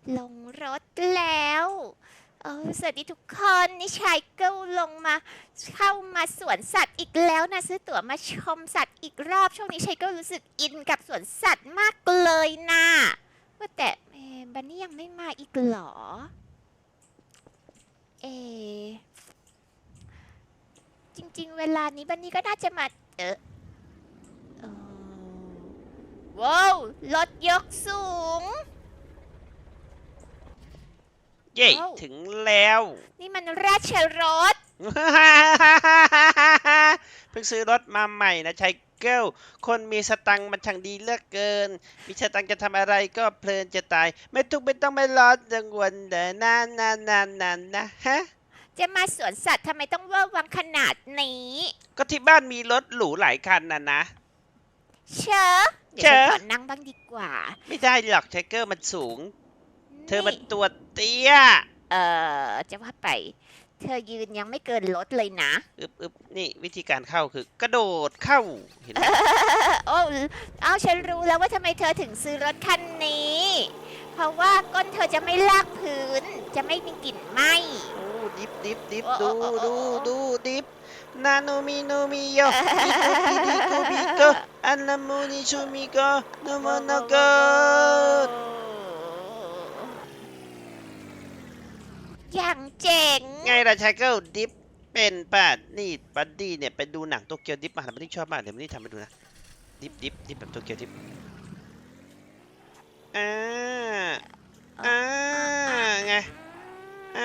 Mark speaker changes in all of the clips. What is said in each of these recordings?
Speaker 1: ลงรถแล้วสวัสดีทุกคนนี่ชายเก้าลงมาเข้ามาสวนสัตว์อีกแล้วนะซื้อตั๋วมาชมสัตว์อีกรอบช่วงนี้ชายเก้ารู้สึกอินกับสวนสัตว์มากเลยนะว่าแต่บันนี่ยังไม่มาอีกเหรอเออจริงๆเวลานี้บันนี่ก็น่าจะมาเออว้าวรถยกสูง
Speaker 2: เย่
Speaker 1: ว้าว
Speaker 2: ถึงแล้ว
Speaker 1: นี่มันราชรถ
Speaker 2: เพิ่งซื้อรถมาใหม่นะชายเกิลคนมีสตังค์มันช่างดีเหลือกเกิน มีสตังค์จะทำอะไรก็เพลินจะตาย ไม่ทุกข์ไม่ต้องไม่ร้อนกังวลเดินนานนะฮะ
Speaker 1: จะมาสวนสัตว์ทำไมต้องเวอร์วังขนาดนี้
Speaker 2: ก็ที่บ้านมีรถหรูหลายคันนะ
Speaker 1: เชอะเดี๋ยวฉันขอนั่งบ้างดีกว่า
Speaker 2: ไม่ได้หรอกชายเกิลมันสูง เธอมันตัวเตี้ย
Speaker 1: จะว่าไป เธอยืนยังไม่เกินรถเลยนะ
Speaker 2: อึบนี่วิธีการเข้าคือกระโดดเข้าเห็นไหม
Speaker 1: โอ้เอาฉันรู้แล้วว่าทำไมเธอถึงซื้อรถคันนี้ เพราะว่าก้นเธอจะไม่ลากพื้น จะไม่มีกลิ่นไหม้
Speaker 2: โอ้ดิบดู
Speaker 1: โอ้โอ้โอ้โอ้
Speaker 2: ดูดิบนาโนมิโยดิโกบิโกอันนามูนิชูมิโกโนโมโนโก
Speaker 1: อย่างเจ๋ง
Speaker 2: ไงล่ะชายเกิลดิฟเป็นป่ะนี่บัดดี้เนี่ยไปดูหนังโตเกียวดิฟมาบัดดี้ชอบมากเดี๋ยวบัดดี้ทำไปดูนะดิฟแบบโตเกียวดิฟอ่าอ่าไงอ่า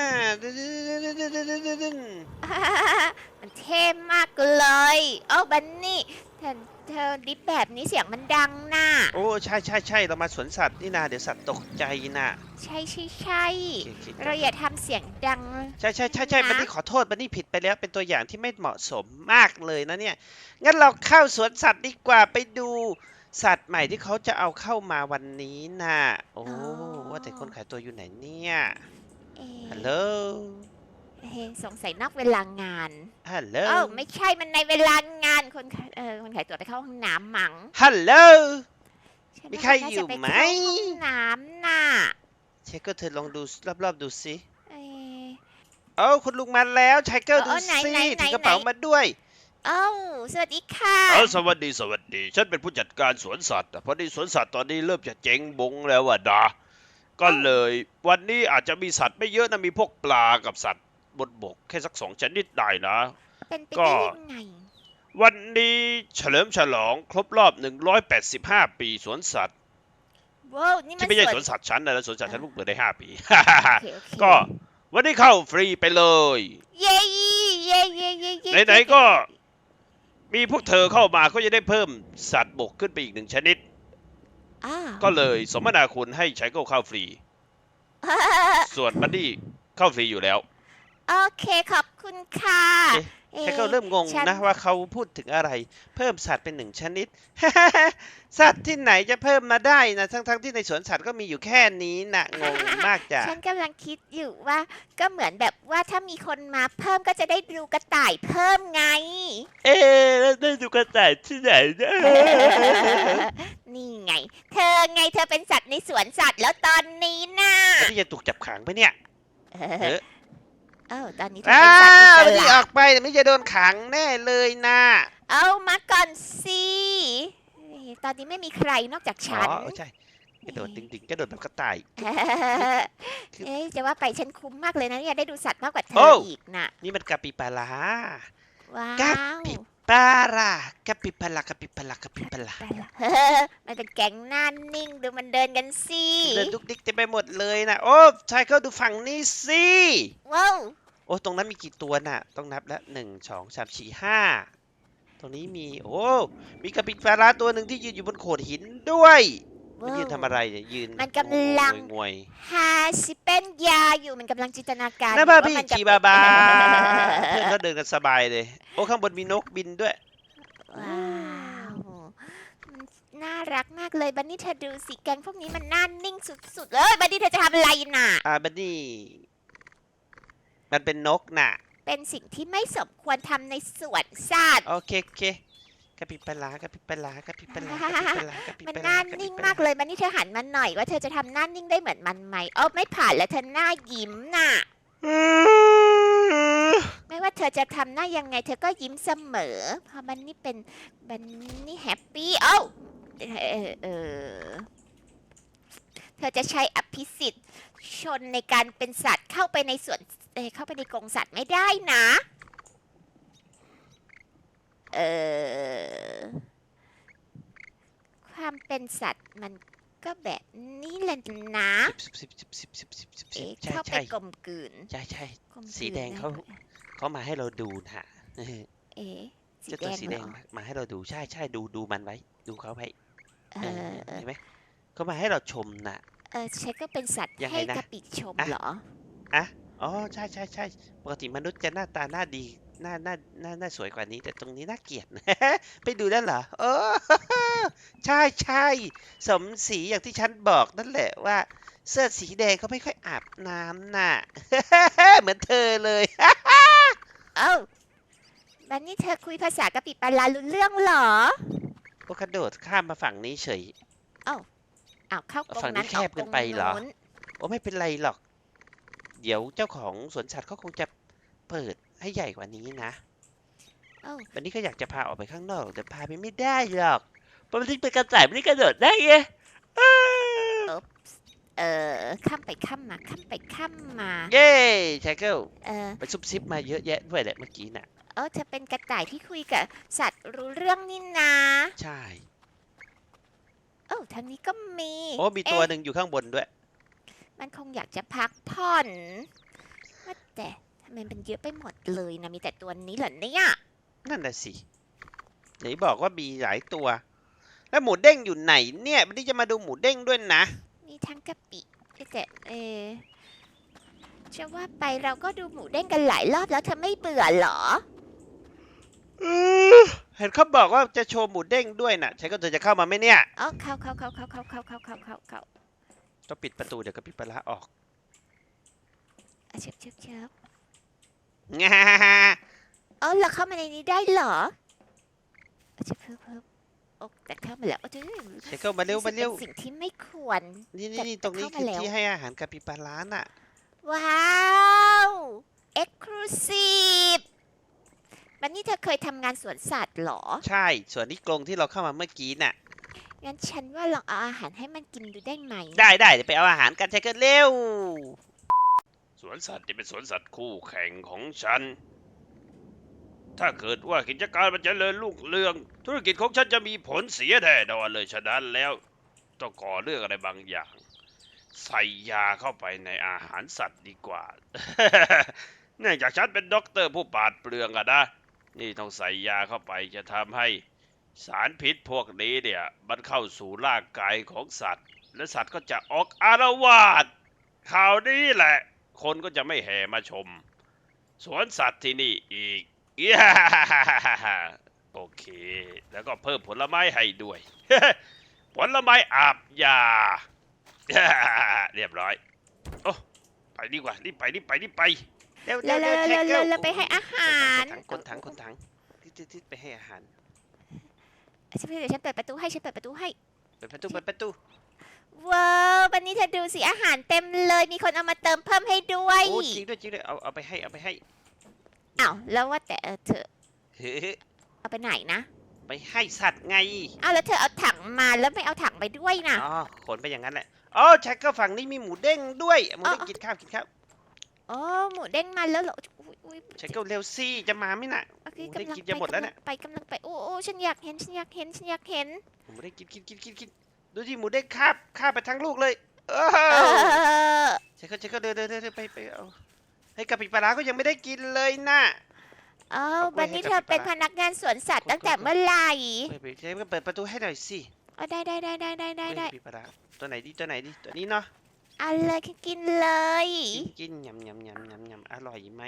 Speaker 1: มันเท่มากเลยโอ้บันนี่เธอดิฟแบบนี้เสียงมันดังน่ะ
Speaker 2: โอ้ใช่เรามาสวนสัตว์นี่นาเดี๋ยวสัตว์ตกใจนะ
Speaker 1: ใช่
Speaker 2: โอเค
Speaker 1: เราอย่าทำเสียงดัง
Speaker 2: ใช่บันนี่ขอโทษบันนี่ผิดไปแล้วเป็นตัวอย่างที่ไม่เหมาะสมมากเลยนะเนี่ยงั้นเราเข้าสวนสัตว์ดีกว่าไปดูสัตว์ใหม่ที่เขาจะเอาเข้ามาวันนี้นะโอ้ว่าแต่คนขายตัวอยู่ไหนเนี่ยฮัลโหล
Speaker 1: สงสัยนอกเวลางาน
Speaker 2: ฮัลโหล
Speaker 1: ไม่ใช่มันในเวลางานคนขายตั๋วไปเข้าห้องน้ำมั้ง
Speaker 2: ฮัลโหล
Speaker 1: ฉัน
Speaker 2: มี
Speaker 1: ว่า
Speaker 2: ใคร
Speaker 1: น่า
Speaker 2: อยู่
Speaker 1: จะไป
Speaker 2: ไหม
Speaker 1: เข้าห้องน้ำน่ะ
Speaker 2: เชคก็เธอลองดูรอบๆดูสิ
Speaker 1: เอ่อ
Speaker 2: โอ้คุณลุงมาแล้วชายเกิลดู
Speaker 1: ไหน
Speaker 2: สิ
Speaker 1: ไหน
Speaker 2: ถือกระเป๋ามาด้วย
Speaker 1: เอ้าสวัสดีค่ะ
Speaker 3: สวัสดีฉันเป็นผู้จัดการสวนสัตว์พอดีสวนสัตว์ตอนนี้เริ่มจะเจ๊งบงแล้วอะนะก็เลยวันนี้อาจจะมีสัตว์ไม่เยอะนะมีพวกปลากับสัตว์บนบกแค่สัก2 ชนิดได้นะ
Speaker 1: เป็นไป
Speaker 3: ก็
Speaker 1: ได้ยังไง
Speaker 3: วันนี้เฉลิมฉลองครบรอบ185 ปีสวนสัตว์
Speaker 1: ว้าวนี่มั
Speaker 3: ที่
Speaker 1: น
Speaker 3: ไม่ใช่
Speaker 1: ส
Speaker 3: ส
Speaker 1: ว
Speaker 3: วน นสัตว์ฉันนะสวนสัตว์ฉันเพิ่งเปิดได้5 ปี
Speaker 1: โอเค
Speaker 3: ก็วันนี้เข้าฟรีไปเลย
Speaker 1: เย้
Speaker 3: ไหนๆก็มีพวกเธอเข้ามาก็จะได้เพิ่มสัตว์บกขึ้นไปอีก1 ชนิด
Speaker 1: อ้าว
Speaker 3: ก็เลยสมนาคุณให้ใช้เข้าฟรี ส่วนบัดดี้เข้าฟรีอยู่แล้ว
Speaker 1: โอเคขอบคุณค่ะ
Speaker 2: แค่ก็เริ่มงง
Speaker 1: ฉั
Speaker 2: นะว่าเขาพูดถึงอะไร เพิ่มสัตว์เป็น1 ชนิด สัตว์ที่ไหนจะเพิ่มมาได้นะทั้งที่ในสวนสัตว์ก็มีอยู่แค่นี้นะงงมากจ้ะ
Speaker 1: ฉันกำลังคิดอยู่ว่าก็เหมือนแบบว่าถ้ามีคนมาเพิ่มก็จะได้ดูกระต่ายเพิ่มไง
Speaker 2: เอ๊ะแล้วได้ดูกระต่ายที่ไหนนะ
Speaker 1: นี่ไง เธอเป็นสัตว์ในสวนสัตว์แล้วตอนนี้น่ะ
Speaker 2: ที่จะถูกจับขังไปเนี่ย
Speaker 1: ตอนนี้เธอเป็นสัตว์อิส
Speaker 2: ที่อ
Speaker 1: ระ
Speaker 2: อกไปไม่จะโดนขังแน่เลยนะ
Speaker 1: เอามาก่อนสิตอนนี้ไม่มีใครนอกจาก
Speaker 2: อ๋
Speaker 1: ฉัน
Speaker 2: อใช่กระโดดดิ่งกระโดดแบบกระต่าย
Speaker 1: จะว่าไปฉันคุ้มมากเลยนะเนี่ยได้ดูสัตว์มากกว่าเธ
Speaker 2: โอ้
Speaker 1: ออีกน่ะ
Speaker 2: นี่มันกาปิปารา
Speaker 1: ว้าว
Speaker 2: กาปิปารากาปิปารา
Speaker 1: มันเป็นแก๊งหน้านิ่งดูมันเดินกันสิ
Speaker 2: เดินดุกดิกเต็มไปหมดเลยนะโอ้ชายเขาดูฝั่งนี้สิ
Speaker 1: ว้าว
Speaker 2: โอ้ตรงนั้นมีกี่ตัวน่ะต้องนับแล้ว1 2 3 4 5ตรงนี้มีโอ้มีกาปิปาราตัวหนึ่งที่ยืนอยู่บนโขดหินด้วยมันยืนทำอะไรเนี่ยยืน
Speaker 1: มันกำลัง
Speaker 2: งวย
Speaker 1: หาสิเป็นยาอยู่มันกำลังจินตนาการ
Speaker 2: นะบ้าพี่
Speaker 1: ว่มันจะ
Speaker 2: ชีบาบาเพื่อนเขาเดินกันสบายเลยโอ้ข้างบนมีนกบินด้วย
Speaker 1: ว้าวมันน่ารักมากเลยบันนี่เธอดูสิแก๊งพวกนี้มันน่านิ่งสุดๆเลยบันนี่เธอจะทำอะไรน่ะ
Speaker 2: บัดดี้มันเป็นนกน่ะ
Speaker 1: เป็นสิ่งที่ไม่สมควรทำในสวนสัตว์
Speaker 2: โอเคกระปิบปลากระปิบปลากระปิบปลากระปิบปลากระปิบ
Speaker 1: มัน
Speaker 2: ป
Speaker 1: ห
Speaker 2: ลา
Speaker 1: น้าก
Speaker 2: ระปิ
Speaker 1: นิ่
Speaker 2: บ
Speaker 1: ง
Speaker 2: ป
Speaker 1: มา
Speaker 2: ลาก
Speaker 1: เลยมันนี่เธอหันมาหน่อยว่าเธอจะทำหน้านิ่งได้เหมือนมันไหมอ๋อไม่ผ่านแล้วเธอหน้ายิ้มน่ะ ไม่ว่าเธอจะทำหน้ายังไง เธอก็ยิ้มเสมอเพราะมันนี่เป็นมันนี่แฮปปี้เอ้าเธอจะใช้อภิสิทธิ์ชนในการเป็นสัตว์เข้าไปในสวนเข้าไปในกรงสัตว์ไม่ได้นะความเป็นสัตว์มันก็แบบนี้แหละนะ เอ๊ะ
Speaker 2: ใช่
Speaker 1: เข้าไป
Speaker 2: ใช่
Speaker 1: กลมกลืน
Speaker 2: ใช่ใช่
Speaker 1: กลมกลืน
Speaker 2: สีแดงเขา เขามาให้เราดูนะ
Speaker 1: เอ๊ะสี
Speaker 2: เจ้า
Speaker 1: แด
Speaker 2: ตัว
Speaker 1: ง
Speaker 2: สี
Speaker 1: เห
Speaker 2: แด
Speaker 1: รง อ
Speaker 2: มาให้เราดูใช่ใช่ดูมันไว้ ดูเขาไว้
Speaker 1: เออ
Speaker 2: เห็นไหมเขามาให้เราชมน่ะ
Speaker 1: ฉันก็เป็นสัตว์
Speaker 2: ยังไง
Speaker 1: ให้
Speaker 2: นะ
Speaker 1: กระปิชม
Speaker 2: อ่ะ
Speaker 1: เหรอ
Speaker 2: อ๋อใช่ใช่ใช่ปกติมนุษย์จะหน้าตาหน้าดีหน้าสวยกว่านี้ แต่ตรงนี้น่าเกลียด ไปดูได้เหรอใช่ใช่สมศรีอย่างที่ฉันบอกนั่นแหละว่า เสื้อสีแดงเขาไม่ค่อยอาบน้ำน่ะ เหมือนเธอเลย
Speaker 1: เอ้าบันนี่เธอคุยภาษากะปิปลารู้เรื่องเหรอ
Speaker 2: ก็กระโดดข้ามมาฝั่งนี้เฉย
Speaker 1: อ้าวเข้ากรง
Speaker 2: ฝั่งนี้
Speaker 1: นั้น
Speaker 2: แค
Speaker 1: ออบ ก
Speaker 2: เกิ
Speaker 1: กร
Speaker 2: น
Speaker 1: ง
Speaker 2: ไปเหรอ
Speaker 1: นู้น
Speaker 2: โอ้ไม่เป็นไรหรอก เดี๋ยวเจ้าของสวนสัตว์เขาคงจะเปิดให้ใหญ่กว่านี้นะ
Speaker 1: เอ้า
Speaker 2: วันนี้ก็อยากจะพาออกไปข้างนอกแต่พาไปไม่ได้หรอกเพราะมันเป็นกระต่ายไม่ได้กระโดดได้ไง
Speaker 1: ข้ามไปข้ามมาข้ามไปข้ามมา
Speaker 2: เย้ชายเกิล
Speaker 1: เออ
Speaker 2: ไปซุบซิบมาเยอะแยะด้วยแหละเมื่อกี้น่ะ
Speaker 1: เธอเป็นกระต่ายที่คุยกับสัตว์รู้เรื่องนี่นะ
Speaker 2: ใช่
Speaker 1: ทางนี้ก็มี
Speaker 2: โอ้มีตัว
Speaker 1: เอ๊ะ
Speaker 2: หนึ่งอยู่ข้างบนด้วย
Speaker 1: มันคงอยากจะพักผ่อนว่าแต่ทำไมมันเยอะไปหมดเลยนะมีแต่ตัวนี้เหรอเนี่ย
Speaker 2: นั่นน่ะสิไหนบอกว่ามีหลายตัว แล้วหมูเด้งอยู่ไหนเนี่ยวันนี้จะมาดูหมูเด้งด้วยนะ
Speaker 1: มีทั้งกะปิแต่จะว่าไปเราก็ดูหมูเด้งกันหลายรอบแล้วเธอไม่เบื่อเหรอ
Speaker 2: เห็นเขาบอกว่าจะโชว์หมูเด้งด้วยน่ะชายเกิลเธอจะเข้ามาไหมเนี่ย
Speaker 1: เข้า
Speaker 2: ต้องปิดประตูเดี๋ยวก็ปิดปลาร้าออก
Speaker 1: เชิบ
Speaker 2: งา
Speaker 1: เราเข้ามาในนี้ได้เหรอเชิบแต่เข้ามาแล้วจื้อ
Speaker 2: ชายเกิลมาเร็วมาเร็ว
Speaker 1: ป็นสิ่งที่ไม่ควร
Speaker 2: นี่ตรงนี้
Speaker 1: เข้า
Speaker 2: คื
Speaker 1: มา
Speaker 2: อ
Speaker 1: แล้ว
Speaker 2: ที่ให้อาหารกาปิบาร่าน่ะ
Speaker 1: ว้าว Exclusive วันนี้เธอเคยทำงานสวนสัตว์เหรอ
Speaker 2: ใช่ ส่วนนี้กรงที่เราเข้ามาเมื่อกี้น่ะ
Speaker 1: งั้นฉันว่าลองเอาอาหารให้มันกินดูได้ไหม
Speaker 2: ได้เดี๋ยวไปเอาอาหารกันชายเกิลเร็ว
Speaker 3: สวนสัตว์จะเป็นสวนสัตว์คู่แข่งของฉัน ถ้าเกิดว่ากิจการมันจเจริญรุ่งเรือง ธุรกิจของฉันจะมีผลเสียแน่นอนเลยฉะนั้นแล้วต้องก่อเรื่องอะไรบางอย่าง ใส่ยาเข้าไปในอาหารสัตว์ดีกว่า เนื่องจากฉันเป็นด็อกเตอร์ผู้ปราดเปรื่องอะนะ นี่ต้องใส่ยาเข้าไปจะทำให้สารพิษพวกนี้เนี่ยมันเข้าสู่ร่างกายของสัตว์ และสัตว์ก็จะออกอารวาสข่าวนี้แหละ คนก็จะไม่แห่มาชม สวนสัตว์ที่นี่อีก โอเค แล้วก็เพิ่มผลไม้ให้ด้วย ผลไม้อาบยา เรียบร้อย โอ้ไปดีกว่ารีบไป
Speaker 2: เร็ว
Speaker 1: แล้ว
Speaker 2: ชายเกิล
Speaker 1: ไปให้อาหาร
Speaker 2: คนถังทิศไปให้อาหาร
Speaker 1: เดี๋ยวฉันเปิดประตูให้
Speaker 2: เปิดประตู
Speaker 1: ว้าววันนี้เธอดูสิอาหารเต็มเลย มีคนเอามาเติมเพิ่มให้ด้วย
Speaker 2: โอ้จริงด้วยเอาไปให้
Speaker 1: อ้าวแล้วว่าแต่เธอ
Speaker 2: เฮ้ย
Speaker 1: เอาไปไหนนะ
Speaker 2: ไปให้สัตว์ไง
Speaker 1: อ้าวแล้วเธอเอาถังมาแล้วไม่เอาถังไปด้วยนะ
Speaker 2: อ๋อขนไปอย่างนั้นแหละอ๋อชายเกิลฝั่งนี้มีหมูเด้งด้วยหมูเด้ง
Speaker 1: อ๋อ
Speaker 2: กินข้าว
Speaker 1: อ๋อหมูเด้งมาแล้วเหรออุ๊ย
Speaker 2: ชายเกิลเร็วสิจะมาไหมน่ะ
Speaker 1: โอเค
Speaker 2: หมูเด้ง
Speaker 1: กำลัง
Speaker 2: กินจะหมดแล้วเนี่ย
Speaker 1: กำลังไปโอ้ฉันอยากเห็น
Speaker 2: หมูเด้งกินดูที่หมูเด้งคาบไปทั้งลูกเลยเอ
Speaker 1: เอ
Speaker 2: อ
Speaker 1: อ
Speaker 2: ชายเกิลเดินไปเอาให้กะปิปลาร้าก็ยังไม่ได้กินเลยน่ะ
Speaker 1: อ้าว
Speaker 2: เอากล้วย
Speaker 1: วันนี้
Speaker 2: ให้
Speaker 1: เธอ
Speaker 2: กับ
Speaker 1: เป็น
Speaker 2: พี่
Speaker 1: พ
Speaker 2: ปลา
Speaker 1: นักงานสวนสัตว์
Speaker 2: กด
Speaker 1: ตั้งแต่
Speaker 2: กด
Speaker 1: เมื่อไหร่
Speaker 2: ชายเกิลเปิดประตูให้หน่อยสิ
Speaker 1: อ๋อได้
Speaker 2: กะปิปลาร้าตัวไหนดีตัวนี้เนาะ
Speaker 1: เอาเลยกินเลย
Speaker 2: กินยำอร่อยไหม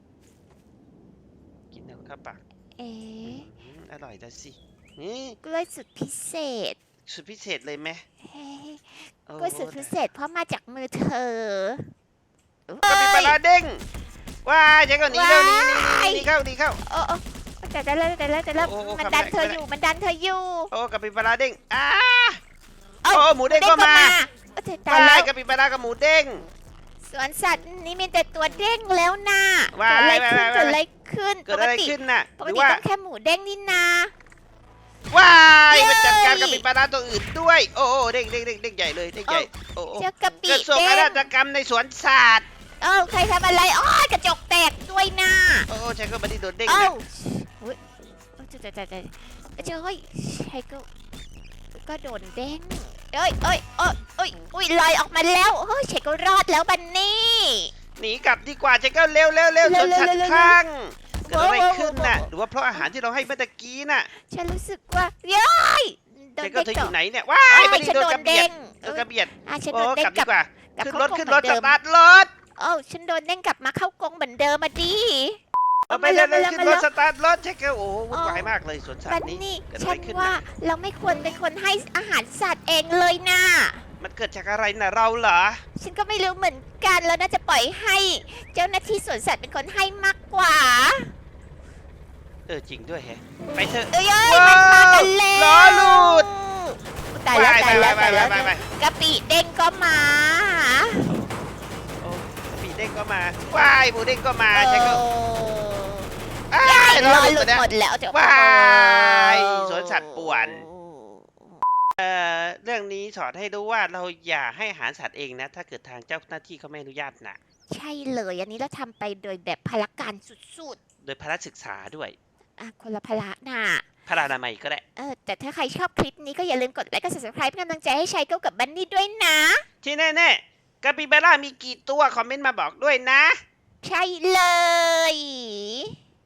Speaker 2: กินแล้วเข้าปาก
Speaker 1: เอ๊ะ
Speaker 2: อร่อยแล้วสินี่
Speaker 1: กล้วยสุดพิเศษ
Speaker 2: สุดพิเศษเลยไหม
Speaker 1: เฮ้ย
Speaker 2: โอ้
Speaker 1: กล้วยสุดพิเศษเพราะมาจากมือเธอก
Speaker 2: ะปิปลาร้าเด้งว้ายชายเกิลหนีเร็วหนี
Speaker 1: ว้าย
Speaker 2: เข้า
Speaker 1: โอ้แต่มันดันเธออยู่มันดันเธออยู่
Speaker 2: โอ้กะปิปลาเด้ง
Speaker 1: เอ้ย
Speaker 2: โอ้หมูเด้งก็มา
Speaker 1: ตายแล้ว
Speaker 2: กะปิปลากับหมูเด้ง
Speaker 1: สวนสัตว์นี่มีแต่ตัวเด้งแล้วนะ
Speaker 2: ว้าย
Speaker 1: เกิดอะไรขึ้น
Speaker 2: เกิดอะไรขึ้นน่ะ
Speaker 1: ป
Speaker 2: ห
Speaker 1: ก
Speaker 2: รือ
Speaker 1: ติ
Speaker 2: ว่า
Speaker 1: ต้องแค่หมูเด้งนี่นา
Speaker 2: ว้าย
Speaker 1: เย้
Speaker 2: มันจัดการกะปิปลาตัวอื่นด้วย โอ้เด้งใหญ่เลยเด้งใหญ่โอ้
Speaker 1: เจ้ากะปิ
Speaker 2: กระทรวง
Speaker 1: เด้
Speaker 2: อาง ณาจกรรมในสวนสัตว์
Speaker 1: ใครทำอะไรกระจกแตกด้วยนะ
Speaker 2: โอ้ใช้ก็บันดี้โดนเด้ง
Speaker 1: เอ้า
Speaker 2: นะ
Speaker 1: อุ้ยเจ้าเฮ้ยใช่ก็โดนเด้งอุ้ยลอยออกมาแล้วเฮ้ยใช่ก็รอดแล้วบันนี่
Speaker 2: หนีกลับดีกว่าใช้ก็เร็วสวนสัตว์ข้างเกิดอะไรขึ้นน่ะหรือว่าเพราะอาหารที่เราให้เมื่อตะกี้น่ะ
Speaker 1: ฉันรู้สึกว่าโดน
Speaker 2: ใช้ก็
Speaker 1: เด้ง
Speaker 2: เธออยู่ไหนเนี่ยว้ายบันดี้
Speaker 1: ฉัน
Speaker 2: โด
Speaker 1: โด
Speaker 2: น
Speaker 1: น
Speaker 2: กระเบีย
Speaker 1: เด้
Speaker 2: ด
Speaker 1: ง
Speaker 2: โดนกระเบียด
Speaker 1: ฉัน
Speaker 2: โอ้
Speaker 1: โดนเด้
Speaker 2: ก
Speaker 1: ง
Speaker 2: ลับดี
Speaker 1: กลับ
Speaker 2: กว่า
Speaker 1: กลับ
Speaker 2: ขึ้น
Speaker 1: เข้าร
Speaker 2: ถ
Speaker 1: กรง
Speaker 2: ขึ้น
Speaker 1: เห
Speaker 2: ร
Speaker 1: มือ
Speaker 2: ถ
Speaker 1: น
Speaker 2: ส
Speaker 1: เดิม
Speaker 2: ตาร์ทรถ
Speaker 1: ฉันโดนเด้งกลับมาเข้ากรงเหมือนเดิมมาดิ
Speaker 2: เอาไปเลยขึ้นรถสตาร์ทรถใช่ก็โอ้วุ่นวายมากเลยสวนสัต
Speaker 1: บัน
Speaker 2: ว์นี้
Speaker 1: นี่
Speaker 2: เกิดอะ
Speaker 1: ฉั
Speaker 2: ไร
Speaker 1: น
Speaker 2: ขึ้น
Speaker 1: ว่า
Speaker 2: น่ะ
Speaker 1: เราไม่ควรเป็นคนให้อาหารสัตว์เองเลยนะ
Speaker 2: มันเกิดจากอะไรน่ะเราเหรอ
Speaker 1: ฉันก็ไม่รู้เหมือนกันแล้วน่าจะปล่อยให้เจ้าหน้าที่สวนสัตว์เป็นคนให้มากกว่า
Speaker 2: จริงด้วยแฮะไปเถอะ
Speaker 1: มันมากันแล้ว
Speaker 2: ล้อหลุด
Speaker 1: ตายแล้ว
Speaker 2: ไป
Speaker 1: กะปิเด้งก็มา
Speaker 2: โอ้ปีเด้งก็มาว้ายหมูเด้งก็มาใช่ก็
Speaker 1: ยาย
Speaker 2: ล้
Speaker 1: ร
Speaker 2: อ
Speaker 1: อ
Speaker 2: ห
Speaker 1: ห
Speaker 2: ลุ
Speaker 1: ลุ
Speaker 2: ด
Speaker 1: ด
Speaker 2: นะ
Speaker 1: หมดแล้วจะ
Speaker 2: ว้ายสวนสัตว์ป่วน เรื่องนี้สอนให้รู้ว่าเราอย่าให้อาหารสัตว์เองนะ ถ้าเกิดทางเจ้าหน้าที่เขาไม่อนุญาตนะ
Speaker 1: ใช่เลยอันนี้เราทำไปโดยแบบพละการสุด
Speaker 2: โดยพละศึกษาด้วย
Speaker 1: ๆคนละพละน่ะ
Speaker 2: พละนามัยก็ได้
Speaker 1: แต่ถ้าใครชอบคลิปนี้ก็อย่าลืมกดไลค์กด subscribe เป็นกำลังใจให้ชายเก้ากับบันนี่ด้วยนะ
Speaker 2: ที่แน่ๆกาปิบาร่ามีกี่ตัวคอมเมนต์มาบอกด้วยนะ
Speaker 1: ใช่เลย